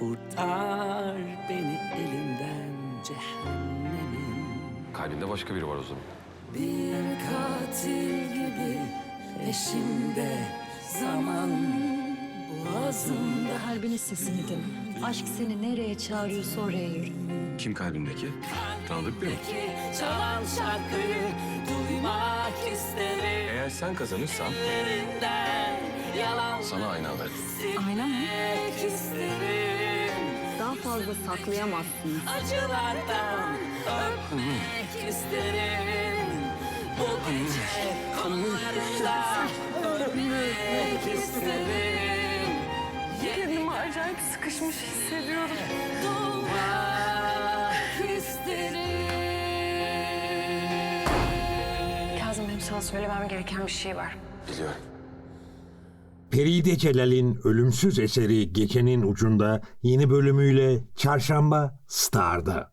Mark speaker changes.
Speaker 1: Kurtar beni elinden cehennemin.
Speaker 2: Kalbinde başka biri var o zaman.
Speaker 1: Bir katil gibi peşimde zaman boğazımda.
Speaker 3: Kalbinin sesini dinle. Aşk seni nereye çağırıyorsa oraya yürü.
Speaker 2: Kim kalbindeki? Tanıdık biri mi?
Speaker 1: Çalan şarkıyı duymak isterim.
Speaker 2: Eğer sen kazanırsan
Speaker 1: Ellerinden yalan
Speaker 2: sana ayna alırım.
Speaker 3: Ayna mı?
Speaker 1: silmek isterim.
Speaker 3: Daha fazla saklayamazsın.
Speaker 1: Acılardan öpmek isterim. Bu gece konularında ölmek isterim.
Speaker 3: Kendimi acayip sıkışmış hissediyorum.
Speaker 1: Doğmak isterim.
Speaker 4: Kazım, benim sana söylemem gereken bir şey var.
Speaker 2: Biliyorum.
Speaker 5: Peride Celal'in ölümsüz eseri Gecenin Ucunda yeni bölümüyle Çarşamba Star'da.